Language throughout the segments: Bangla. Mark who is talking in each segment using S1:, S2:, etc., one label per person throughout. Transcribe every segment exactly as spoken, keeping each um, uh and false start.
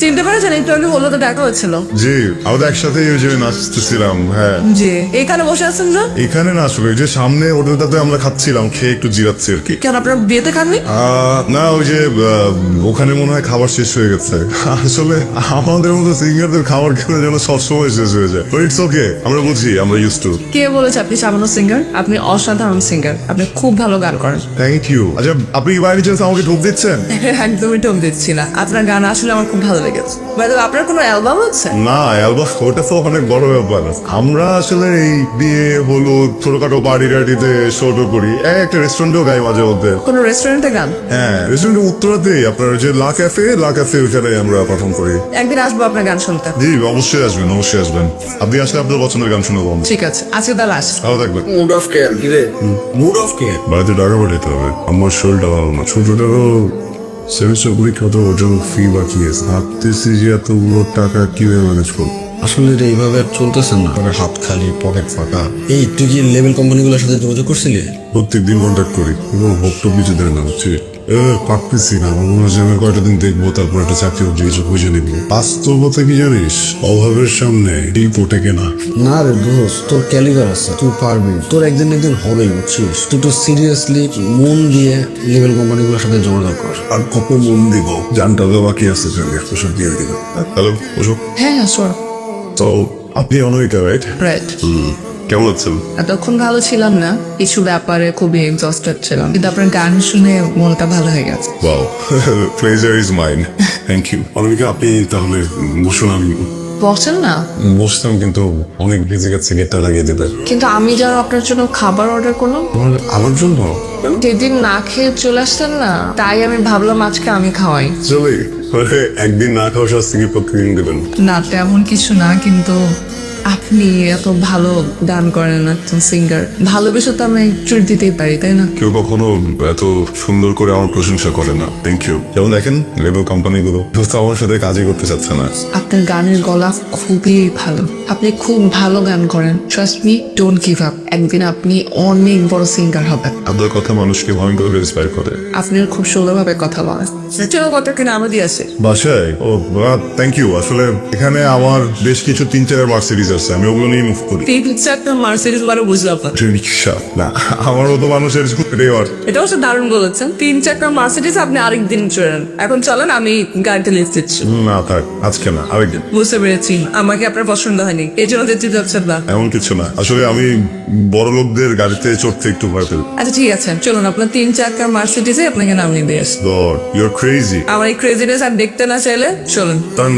S1: চিনতে পারছেন? একটু আগে হলো তো দেখা হচ্ছিল।
S2: জি, আমরা একসাথে ওই যে নাচতেছিলাম। হ্যাঁ
S1: জি, এখানে বসে আছেন না?
S2: এখানে না, আসলে ওই যে সামনে হোটেলটাতে আমরা খাচ্ছিলাম, খেয়ে একটু জিরাচ্ছি আর কি।
S1: কেন আপনার বিয়েতে খাননি?
S2: আহ, না ওই যে আহ, ওখানে মনে হয় খাবার শেষ হয়ে গেছে। আসলে আমাদের মতো সিঙ্গারদের খাবার খেলে যেন সবসময় শেষ হয়ে যায়। ইটস ওকে, আমরা বুঝি, আমরা ইউজ টু।
S1: কে বলেছে আপনি সামান্য সিঙ্গার? আপনি অসাধারণ সিঙ্গার, আপনি খুব ভালো গান করেন।
S2: Thank you. আচ্ছা, আপনি কি বাইরে চান্স আমাকে ঢোক দিচ্ছেন?
S1: একদমই টোক দিচ্ছি না, আপনার গান আসলে আমার খুব ভালো লেগেছে। বাইরে আপনার কোনো অ্যালবাম আছে?
S2: না, অ্যালবাম ওটা তো অনেক বড় ব্যাপার। আমরা আসলে এই বিয়ে হলো ছোটখাটো পার্টি টার্টিতে শোট করি, এই একটা রেস্টুরেন্টেও গাই মাঝে মধ্যে।
S1: কোনো রেস্টুরেন্টে গান?
S2: হ্যাঁ, রেস্টুরেন্টের উত্তরাতেই আপনার যে লা ক্যাফে, লা ক্যাফে ওখানে আমরা পারফর্ম করি।
S1: একদিন আসবো আপনার গান শুনতে।
S2: জি, অবশ্যই আসবেন, অবশ্যই আসবেন। আপনি আসলে আপনার পছন্দের গান শুনবো।
S1: ঠিক আছে, আজকে তাহলে আস।
S2: ভালো থাকবেন।
S3: মুড অফ কেয়ার কি রে? মুড অফ কেয়ার
S2: বাড়িতে টাকা পাঠাতে হবে, আমার শরীরটা ভালো না। ছোটটারও সেমিস্টার পরীক্ষা তো ওর জন্য ফি বাকি আছে। ভাবতেছি যে এতগুলো টাকা কিভাবে ম্যানেজ করবো।
S3: আসলে রে এইভাবে আর চলতেছে না, মানে হাত খালি পকেট ফাঁকা। এই তুই কি লেভেল কোম্পানিগুলোর সাথে যোগাযোগ করছিলি?
S2: প্রত্যেক দিন কন্ট্যাক্ট করি এবং হোপটপ কিছু দেয় না, হচ্ছে পারতেছি না। আমার মনে হয় যে আমি কয়টা দিন দেখবো, তারপর একটা চাকরি বাকরি কিছু বুঝে নিব। বাস্তবতা কি জানিস, অভাবের সামনে এই পোটে কেনা।
S3: না রে দোস্ত, তোর ক্যালিবার আছে, তুই পারবি। তোর একদিন একদিন হবেই, বুঝছিস? তুই তো সিরিয়াসলি মন দিয়ে লেভেল কোম্পানিগুলোর সাথে যোগাযোগ কর।
S2: আর কত মন দিব, জানটা তো বাকি আছে, সব দিয়ে দিব। হ্যালো, ওসব
S1: হ্যাঁ হ্যাঁ শোন।
S2: তো আপনি অনয়িকা, রাইট?
S1: রাইট।
S2: কেমন আছেন?
S1: এতক্ষণ ভালো ছিলাম না, কিছু ব্যাপারে খুবই এক্সস্টেড ছিলাম, কিন্তু আপনার গান শুনে মনটা ভালো হয়ে গেছে।
S2: Wow, pleasure is mine. Thank you. Anayika, আপনি তাহলে বসুন। আমি
S1: বসেন না।
S2: বসতাম, কিন্তু অনেক বেজে গেছে, গেটটা লাগিয়ে দেবে।
S1: কিন্তু আমি যেন আপনার জন্য খাবার অর্ডার করলাম,
S2: আমার জন্য
S1: যেদিন না খেয়ে চলে আসতেন না, তাই আমি ভাবলাম আজকে আমি খাওয়াই।
S2: চলে মানে একদিন না খাওয়া শাস্তি কি প্রতিদিন দেবেন?
S1: না তেমন কিছু না, কিন্তু আপনি এত ভালো গান করেন, একজন সিঙ্গার, ভালোবেসে তো আমি ট্রিট দিতেই পারি, তাই না?
S2: কেউ কখনো এত সুন্দর করে আমার প্রশংসা করে না। Thank you. যেমন দেখেন, লেবেল কোম্পানিগুলো দোস্ত আমার সাথে কাজই করতে চাচ্ছে না।
S1: আপনার গানের গলা খুবই ভালো, আপনি খুব ভালো গান করেন। Trust me, don't give up. একদিন আপনি অনেক বড় সিঙ্গার হবেন।
S2: আপনার কথা মানুষকে ভয়ঙ্কর ইন্সপায়ার করে।
S1: আপনি খুব সুন্দরভাবে কথা বলেন। চলো কত কিনা আমরা দিয়ে আসে।
S2: বাসায়? ও থ্যাংক ইউ। আসলে এখানে আমার বেশ কিছু তিন চার মার্সিডিজ আছে, আমি ওগুলো নিয়ে মুভ করি।
S1: তিন চারটা মার্সিডিজ বারো বুঝলাম না।
S2: রিক্সা না, আমার মতো মানুষের রেওয়ার।
S1: এটা অবশ্য দারুণ বলেছেন, তিন চারটা মার্সিডিজ আপনি আরেকদিন চড়েন। এখন চলেন, আমি গাড়িটা লিস্ট দিচ্ছি।
S2: না থাক, আজকে না, আরেকদিন।
S1: বুঝতে পেরেছি, আমাকে আপনার পছন্দ হয়নি, এই জন্য যেতে যাচ্ছেন না।
S2: এমন কিছু না, আসলে আমি বড় লোকদের গাড়িতে চড়তে একটু ভয় পেল।
S1: আচ্ছা ঠিক আছে, চলুন আপনার তিন চারটা মার্সিডিজে আপনাকে নামিয়ে দিয়ে আসি।
S2: God, you are crazy.
S1: আমার এই ক্রেজিনেস আর দেখতে না চাইলে চলুন।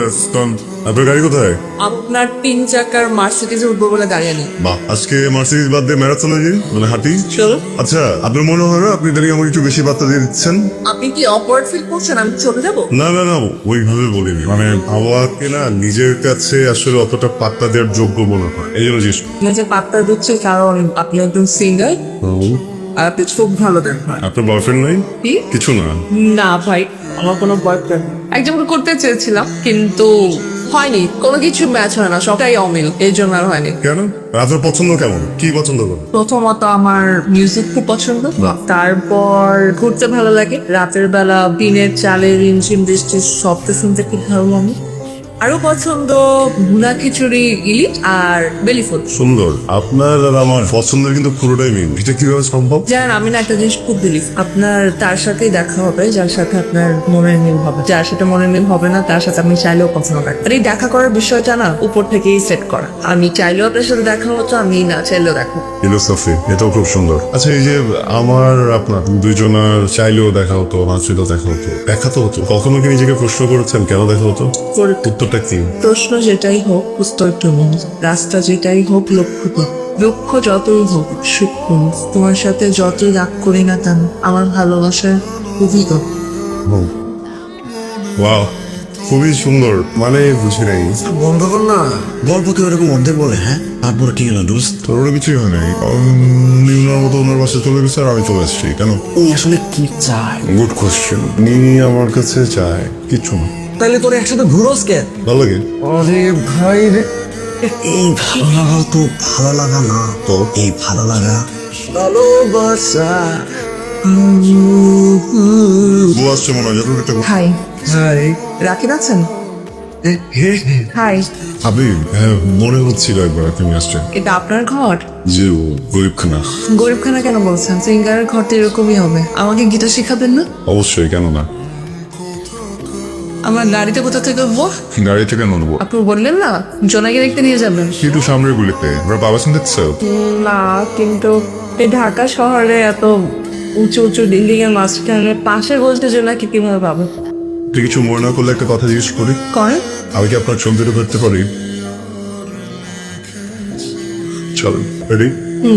S2: আপনার গাড়ি কোথায়?
S1: আপনার তিন চাকার মার্সিডিজে উঠবো বলে দাঁড়িয়ে নেই।
S2: বাহ, আজকে মার্সিডিজ বাদ দিয়ে ম্যারাথনে যাই, মানে হাঁটি।
S1: চলুন।
S2: আচ্ছা, আপনার মনে হয় না আপনি তাহলে আমাকে একটু বেশি বার্তা দিয়ে দিচ্ছেন?
S1: আপনি কি অকওয়ার্ড ফিল করছেন আমি চলে যাবো?
S2: না না না, ওইভাবে বলিনি। মানে আমাকে না নিজের কাছে আসলে অতটা পাত্তা দেওয়ার যোগ্য মনে হয়, এই জন্য জিজ্ঞেস করছি।
S1: নিজে পাত্তা দিচ্ছে কারণ আপনি একজন সিঙ্গার আর আপনি খুব ভালো দেন।
S2: আপনার বয়ফ্রেন্ড নাই?
S1: কি?
S2: কিছু না।
S1: না ভাই, আমার কোনো বয়ফ্রেন্ড একজনকে করতে চেয়েছিলাম, কিন্তু হয়নি, কোনো কিছু ম্যাচ হয় না, সবটাই অমিল, এই জন্য আর হয়নি।
S2: কেন? আপনার পছন্দ কেমন, কি পছন্দ করেন?
S1: প্রথমত আমার মিউজিক খুব পছন্দ, তারপর ঘুরতে ভালো লাগে, রাতের বেলা দিনের চালে রিমঝিম বৃষ্টির শব্দ শুনতে খুব ভালো লাগে। আরো পছন্দ ভুনা খিচুড়ি, ইলিশ আর বেলি ফুল।
S2: সুন্দর। আপনার আর আমার পছন্দের কিন্তু পুরোটাই মিল, এটা কিভাবে সম্ভব?
S1: জানেন, আমি না একটা জিনিস খুব বিলিভ, আপনার তার সাথেই দেখা হবে যার সাথে আপনার মনের মিল হবে, যার সাথে মনের মিল হবে না তার সাথে আপনি চাইলেও কথা হবে। আর এই দেখা করার বিষয়টা না উপর থেকেই সেট করা, আমি চাইলেও আপনার সাথে দেখা হতো, আমি না চাইলেও দেখা।
S2: ফিলোসফি, এটাও খুব সুন্দর। আচ্ছা, এই যে আমার আপনার দুইজনের চাইলেও দেখা হতো, না চাইলেও দেখা হতো, দেখা তো হতো। কখনো কি নিজেকে প্রশ্ন করেছেন কেন দেখা হতো? উত্তরটা কি?
S1: প্রশ্ন যেটাই হোক উত্তর তুমি, রাস্তা যেটাই হোক লক্ষ্য তো, দুঃখ যতই হোক সুখ তুমি, তোমার সাথে যতই রাগ করি না কেন আমার ভালোবাসা খুবই গো।
S2: ওয়াও, খুবই সুন্দর। মানে বুঝি নাই।
S3: বন্ধ কর না, গল্প কেউ এরকম অর্ধেক বলে। হ্যাঁ, তারপরে কি হলো দোস্ত?
S2: তোর ওরা কিছুই হয় নাই। উনি ওনার মতো ওনার বাসায় চলে গেছে আর আমি চলে আসছি। কেন?
S3: উনি আসলে কি চায়?
S2: Good question. উনি আমার কাছে চায় কিছু না।
S3: তাহলে তোর একসাথে ঘুরোস কে?
S2: ভালো লাগে।
S3: আরে ভাই রে, এই ভালো লাগা তো ভালো লাগা না, তো এই ভালো লাগা ভালোবাসা।
S2: বউ আসছে মনে হয়, যত একটা
S1: হাই,
S3: হাই,
S1: রাকিব আছেন? হাই,
S2: আপনি হ্যাঁ মনে হচ্ছিল একবার তুমি আসছেন
S1: এটা আপনার ঘর?
S2: যে ও গরিবখানা।
S1: গরিবখানা কেন বলছেন? সিঙ্গারের ঘর তো এরকমই হবে। আমাকে গিটার শেখাবেন না?
S2: অবশ্যই, কেন না।
S1: আমার গাড়িতে কোথা থেকে উঠবো?
S2: গাড়ি থেকে নেবো
S1: আপনি বললেন না জোনাকে দেখতে নিয়ে যাবেন।
S2: একটু সামনের গুলিতে ওরা বাবা শুনতে
S1: না, কিন্তু এই ঢাকা শহরে এত উঁচু উঁচু বিল্ডিং এর মাঝখানে পাশে বলতে জোনাকে কিভাবে পাবো?
S2: কিছু মনে না করলে একটা কথা জিজ্ঞেস করি,
S1: করেন।
S2: আমি কি আপনার ছবিটা ধরতে পারি? চলেন, রেডি?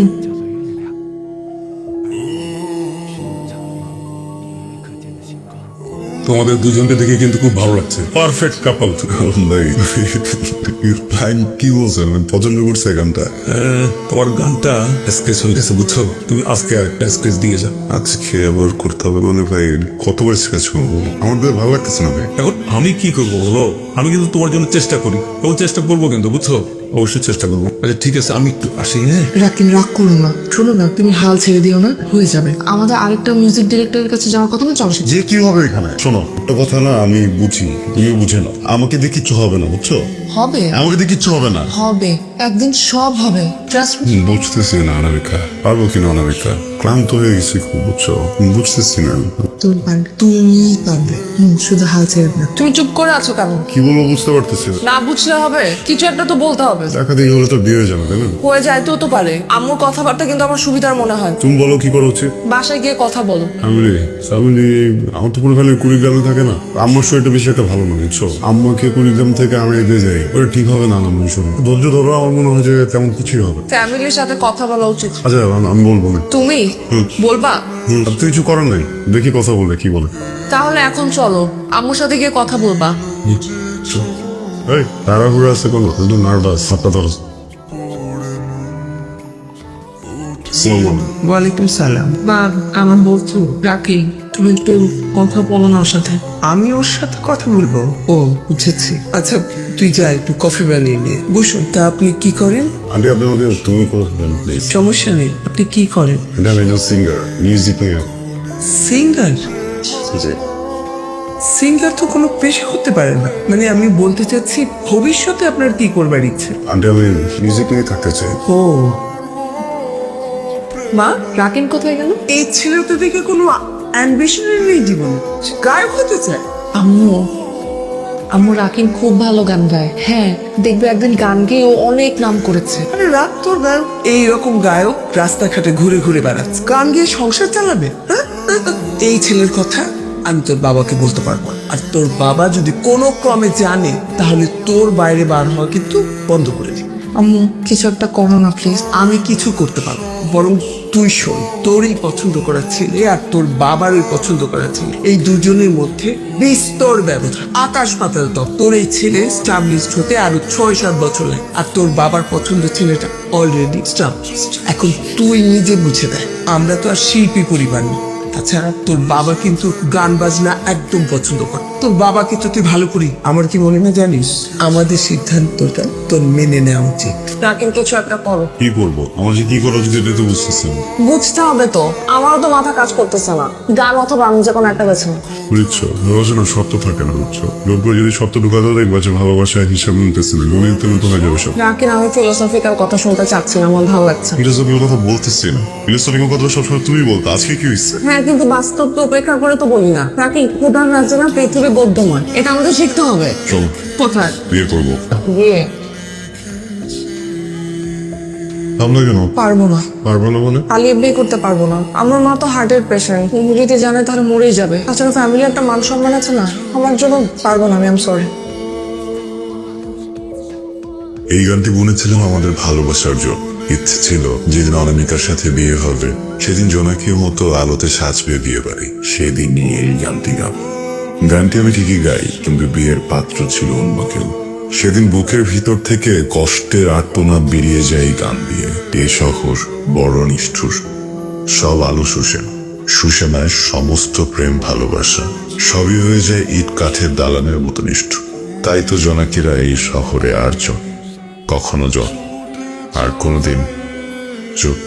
S2: তোমাদের দুজনকে দেখে কিন্তু খুব ভালো লাগছে, পারফেক্ট কাপল। কি বলছেন, আমি পছন্দ করছে গানটা।
S4: তোমার গানটা স্কেচ হয়ে গেছে বুঝছো, তুমি আজকে একটা স্কেচ দিয়ে যাও।
S2: আজকে আবার করতে হবে মানে ভাই, কতবার স্কেচ করবো, আমার বেশ ভালো লাগতেছে না ভাই।
S4: এখন আমি কি করবো বলো, আমি কিন্তু তোমার জন্য চেষ্টা করি এবং চেষ্টা করবো কিন্তু বুঝছো।
S2: অবশ্যই চেষ্টা করবো।
S4: আচ্ছা ঠিক আছে, আমি একটু আসি। হ্যাঁ
S1: রাকিন, রাগ করো না, শোনো না, তুমি হাল ছেড়ে দিও না, হয়ে যাবে। আমাদের আরেকটা মিউজিক ডিরেক্টরের কাছে যাওয়ার কথা না, চলো সেটা।
S2: যে কি হবে এখানে, শোনো একটা কথা না, আমি বুঝি তুমি বুঝে না, আমাকে দিয়ে কিচ্ছু হবে না বুঝছো,
S1: হবে,
S2: আমাকে দিয়ে কিচ্ছু হবে না।
S1: হবে, একদিন সব হবে, ট্রাস্ট মি।
S2: বুঝতেছি না অনামিকা, পারবো কিনা অনামিকা, ক্লান্ত হয়ে গেছি খুব বুঝছো, বুঝতেছি না।
S1: তুমি পারবে, তুমি পারবে, হুম, শুধু হাল ছেড়ে না। তুমি চুপ করে আছো কেন?
S2: কি বলবো বুঝতে পারতেছি না।
S1: না বুঝলে হবে, কিছু একটা তো বলতে হবে।
S2: দেখা দেখি হলে তো বিয়ে হয়ে যাবে তাই না?
S1: হয়ে যায় তো তো পারে। আম্মুর কথাবার্তা কিন্তু আমার সুবিধার মনে হয়।
S2: তুমি বলো কি করা উচিত।
S1: বাসায় গিয়ে কথা বলো।
S2: আমি আমি আমার তো পুরো খালি কুড়িগ্রামে থাকে না, আম্মার শরীরটা বেশি একটা ভালো না বুঝছো, আম্মাকে কুড়িগ্রাম থেকে আমি এগিয়ে যাই, ওটা ঠিক হবে না। আমি শোনো, ধৈর্য ধরো, আমার মনে হয় যে তেমন কিছুই হবে।
S1: ফ্যামিলির সাথে কথা বলা উচিত।
S2: আচ্ছা আমি- আমি বলবো না।
S1: তুমি বলবা?
S2: হুম, আর তো কিছু করার নাই, দেখি কথা বলে কি বলে।
S1: তাহলে এখন চলো, আম্মুর সাথে গিয়ে কথা বলবা।
S2: এই তাড়াহুড়ো আছে কোনো, একটু নার্ভাস, হাতটা ধরো।
S5: ওয়ালাইকুম সালাম।
S1: মা, আমার বলছো রাকি, তুমি একটু কথা বলো না ওর সাথে।
S5: আমি ওর সাথে কথা বলবো? ও বুঝেছি। আচ্ছা তুই যা, একটু কফি বানিয়ে নিয়ে বসুন। তা আপনি কি করেন?
S2: আন্টি আপনি আমাকে তুমি কথা বলেন প্লিজ।
S5: সমস্যা নেই, আপনি কি করেন?
S2: এটা আমি সিঙ্গার, মিউজিক নিয়ে।
S5: সিঙ্গার? সিঙ্গার তো কোনো পেশা হতে পারে না। মানে আমি বলতে চাচ্ছি ভবিষ্যতে আপনার কি করবার ইচ্ছে?
S2: আন্টি আমি মিউজিক নিয়ে থাকতে চাই।
S5: ও,
S1: মা, রাকিন কোথায় গেল?
S5: এই ছেলে তো দেখে কোনো অ্যাম্বিশনের নেই জীবনে, সে গায়ক হতে চায়।
S1: আম্মু, আম্মু রাকিন খুব ভালো গান গায়। হ্যাঁ, দেখবে একদিন গান গেয়ে ও অনেক নাম করেছে।
S5: আরে রাত তোর গায়ক, এইরকম গায়ক রাস্তাঘাটে ঘুরে ঘুরে বেড়াচ্ছে, গান গিয়ে সংসার চালাবে? হ্যাঁ? এই ছেলের কথা আমি তোর বাবাকে বলতে পারবো না। আর তোর বাবা যদি কোনো ক্রমে জানে তাহলে তোর বাইরে বার হওয়া কিন্তু বন্ধ করে দিবে।
S1: আম্মু, কিছু একটা করো না প্লিজ।
S5: আমি কিছু করতে পারবো, বরং তুই শোন, তোর এই পছন্দ করা ছেলে আর তোর বাবার ওই পছন্দ করা ছেলে, এই দুজনের মধ্যে বিস্তর ব্যবধান, আকাশ পাতাল তফাৎ। তোর এই ছেলে স্টাবলিশড হতে আরো ছয় সাত বছর লাগে, আর তোর বাবার পছন্দের ছেলেটা অলরেডি স্টাবলিশড। এখন তুই নিজে বুঝে দেয়, আমরা তো আর শিল্পী পরিবার না। তাছাড়া তোর বাবা কিন্তু গান বাজনা একদম পছন্দ করে। তোর বাবাকে তো তুই ভালো করি, আমার কি মনে না জানিস? আমাদের সিদ্ধান্তটা তোর মেনে নেওয়া উচিত।
S1: রাকিন, কিছু একটা করো।
S2: কি করবো, আমার যে কি করা উচিত এটা তো বুঝতেছি না।
S1: বুঝতে হবে তো, আমারও তো মাথা কাজ করতেছে না। গান অথবা আমি যে কোনো একটা বেছে নাও।
S2: বুঝছো, ভালোবাসা সত্য থাকে না বুঝছো, লোক যদি সত্য ঢুকাতে দেখবা যে ভালোবাসা হিসাব নিতেছে না, গণিত তেমন তো হয়ে যাবে সব।
S1: রাকিন, আমি ফিলোসফিক্যাল কথা শুনতে চাচ্ছি না, আমার ভালো লাগছে।
S2: ফিলোসফির কথা বলতেছি না, ফিলোসফির কথা সবসময় তুমি বলতো, আজকে কি হয়েছে?
S1: হ্যাঁ, কিন্তু বাস্তব তো উপেক্ষা করে তো বলি না। রাকিন, প্রধান রাজ্য না পৃথিবী বৌদ্ধময়, এটা আমাদের শিখতে হবে।
S2: চলো
S1: কোথায়?
S2: বিয়ে করবো।
S1: বিয়ে?
S2: আমরা কেন
S1: পারবো না।
S2: পারবো না মানে?
S1: পালিয়ে বিয়ে করতে পারবো না। আমার মা তো হার্টের পেশেন্ট, যদি জানে তাহলে মরেই যাবে। তাছাড়া ফ্যামিলি একটা মান সম্মান আছে না, আমার জন্য পারবো না। আমি আম সরি।
S6: এই গানটি বুনেছিলাম আমাদের ভালোবাসার জন্য। ইচ্ছে ছিল যেদিন অনামিকার সাথে বিয়ে হবে সেদিন জোনাকির মতো আলোতে সাজবে বিয়ে বাড়ি, সেদিন নিয়ে এই গানটি গাব। গানটি আমি ঠিকই গাই, কিন্তু বিয়ের পাত্র ছিল অন্য কেউ। সেদিন বুকের ভিতর থেকে কষ্টের আর্তনাদ বেরিয়ে যায় এই গান দিয়ে। এ শহর বড় নিষ্ঠুর, সব আলো শুষে সুষেনায় সমস্ত প্রেম ভালোবাসা সবই হয়ে যায় ইট কাঠের দালানের মতো নিষ্ঠুর। তাই তো জোনাকিরা এই শহরে আর জন, কখনো জন, আর কোনোদিন চোখ